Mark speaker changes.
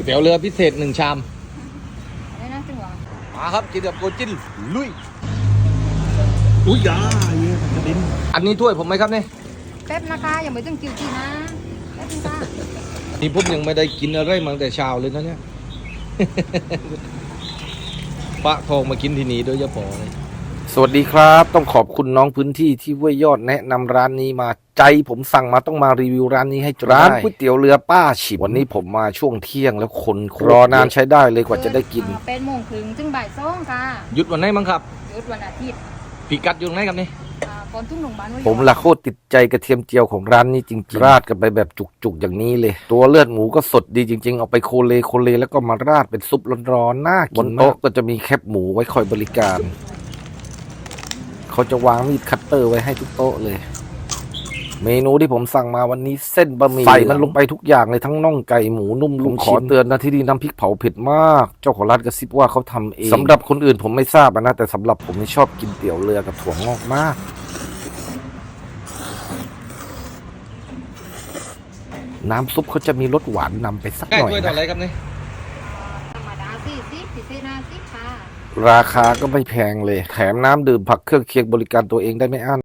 Speaker 1: ตี๋ยวเรือพิเศษ1 ชาม
Speaker 2: ได้นะจังหวะ
Speaker 1: มาครับกินกับโกจินลุย
Speaker 3: อุ้ยยาเยี่ยกระดิ่ง
Speaker 1: อันนี้ถ้วยผมไหมครับเนี่ย
Speaker 2: แป๊บนะคะอย่าไปถึงคิวจีนะแป๊บนึงค่ะ
Speaker 1: นี่ผมยังไม่ได้กินอะไรมาตั้งแต่เช้าเลยนะเนี่ย ปะทองมากินที่นี่โดยเฉพาะเลยสวัสดีครับต้องขอบคุณน้องพื้นที่ที่ห้วยยอดแนะนำร้านนี้มาใจผมสั่งมาต้องมารีวิวร้านนี้ให้จนร้านก๋วยเตี๋ยวเรือป้าฉิบวันนี้ผมมาช่วงเที่ยงแล้วคนรอนานใช้ได้เลยกว่าจะได้กิน
Speaker 2: 8 โมงถึงบ่าย 2ค่ะ
Speaker 1: หยุดวันไหนมั้งครับ
Speaker 2: หยุดวันอาทิตย์
Speaker 1: พิกัดอยู่ตรงไหนครับนี่
Speaker 2: ก่อนทุ่งหลวงบ้าน
Speaker 1: ผมละโคตรติดใจกระเทียมเจียวของร้านนี้จริงๆราดกันไปแบบจุกๆอย่างนี้เลยตัวเลือดหมูก็สดดีจริงๆเอาไปโคเลแล้วก็มาราดเป็นซุปร้อนๆน่ากินบนโต๊ะก็จะมีแคบหมูไว้คอยบริการเขาจะวางมีดคัตเตอร์ไว้ให้ทุกโต๊ะเลยเมนูที่ผมสั่งมาวันนี้เส้นบะหมี่ใส่มันลงไปทุกอย่างเลยทั้งน่องไก่หมูนุ่มลุงขอเตือนนะที่นี่น้ำพริกเผาเผ็ดมากเจ้าของร้านกระซิบว่าเขาทำเองสำหรับคนอื่นผมไม่ทราบนะแต่สำหรับผมนี่ชอบกินเตี๋ยวเรือกับถั่วงอกมากน้ำซุปเขาจะมีรสหวานนำไปสักหน่อยนะอะไรครับนี่
Speaker 2: ธรรมดา40พิเศษ50ค่ะ
Speaker 1: ราคาก็ไม่แพงเลยแถมน้ำดื่มผักเครื่องเคียงบริการตัวเองได้ไม่อั้น